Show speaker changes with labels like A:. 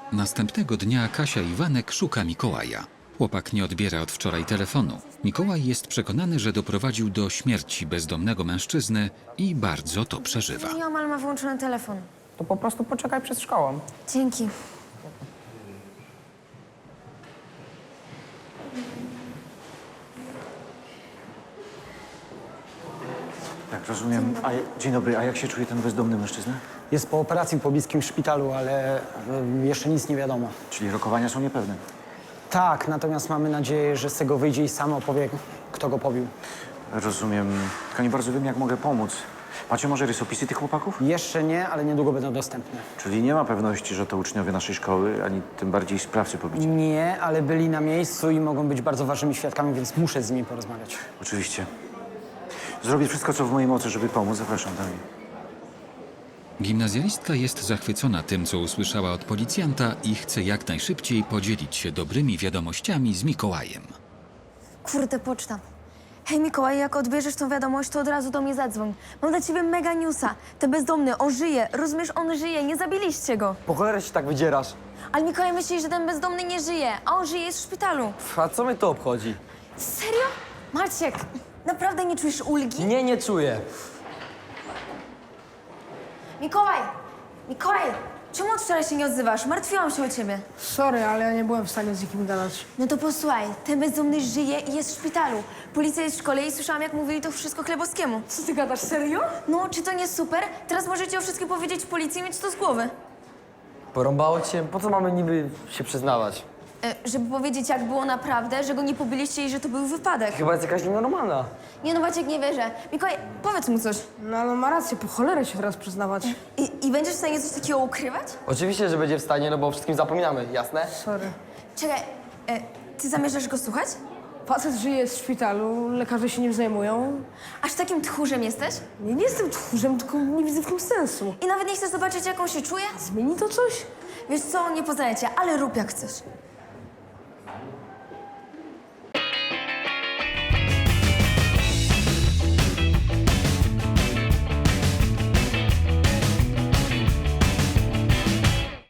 A: Następnego dnia Kasia Iwanek szuka Mikołaja. Chłopak nie odbiera od wczoraj telefonu. Mikołaj jest przekonany, że doprowadził do śmierci bezdomnego mężczyzny i bardzo to przeżywa.
B: Nieomal ma wyłączony telefon.
C: To po prostu poczekaj przed szkołą.
B: Dzięki.
D: Tak, rozumiem. Dzień dobry, a jak się czuje ten bezdomny mężczyzna?
C: Jest po operacji w pobliskim szpitalu, ale jeszcze nic nie wiadomo.
D: Czyli rokowania są niepewne.
C: Tak, natomiast mamy nadzieję, że z tego wyjdzie i sam opowie, kto go pobił.
D: Rozumiem. Tylko nie bardzo wiem, jak mogę pomóc. Macie może rysopisy tych chłopaków?
C: Jeszcze nie, ale niedługo będą dostępne.
D: Czyli nie ma pewności, że to uczniowie naszej szkoły, ani tym bardziej sprawcy pobicia.
C: Nie, ale byli na miejscu i mogą być bardzo ważnymi świadkami, więc muszę z nimi porozmawiać.
D: Oczywiście. Zrobię wszystko, co w mojej mocy, żeby pomóc. Zapraszam do mnie.
A: Gimnazjalistka jest zachwycona tym, co usłyszała od policjanta i chce jak najszybciej podzielić się dobrymi wiadomościami z Mikołajem.
B: Kurde, poczta. Hej Mikołaj, jak odbierzesz tą wiadomość, to od razu do mnie zadzwoń. Mam dla ciebie mega newsa. Ten bezdomny, on żyje. Rozumiesz, on żyje. Nie zabiliście go.
E: Po cholerę się tak wydzierasz.
B: Ale Mikołaj myśli, że ten bezdomny nie żyje, a on żyje, jest w szpitalu.
E: A co mnie to obchodzi?
B: Serio? Maciek, naprawdę nie czujesz ulgi?
E: Nie czuję.
B: Mikołaj! Mikołaj! Czemu od wczoraj się nie odzywasz? Martwiłam się o ciebie.
F: Sorry, ale ja nie byłem w stanie z nikim gadać.
B: No to posłuchaj, ten bezdomny żyje i jest w szpitalu. Policja jest w szkole i słyszałam, jak mówili to wszystko Chlebowskiemu.
F: Co ty gadasz, serio?
B: No, czy to nie super? Teraz możecie o wszystkim powiedzieć policji i mieć to z głowy.
E: Porąbało cię? Po co mamy niby się przyznawać?
B: Żeby powiedzieć, jak było naprawdę, że go nie pobiliście i że to był wypadek.
E: Chyba jest jakaś nienormalna.
B: Nie no, Maciek, nie wierzę. Mikołaj, powiedz mu coś.
F: No ale ma rację, po cholerę się teraz przyznawać.
B: I będziesz w stanie coś takiego ukrywać?
E: Oczywiście, że będzie w stanie, no bo o wszystkim zapominamy, jasne?
F: Sorry.
B: Czekaj, ty zamierzasz go słuchać?
F: Facet żyje w szpitalu, lekarze się nim zajmują.
B: Aż takim tchórzem jesteś?
F: Nie jestem tchórzem, tylko nie widzę w tym sensu.
B: I nawet nie chcesz zobaczyć, jak on się czuje?
F: Zmieni to coś?
B: Wiesz co, nie poznaję cię, ale rób jak chcesz.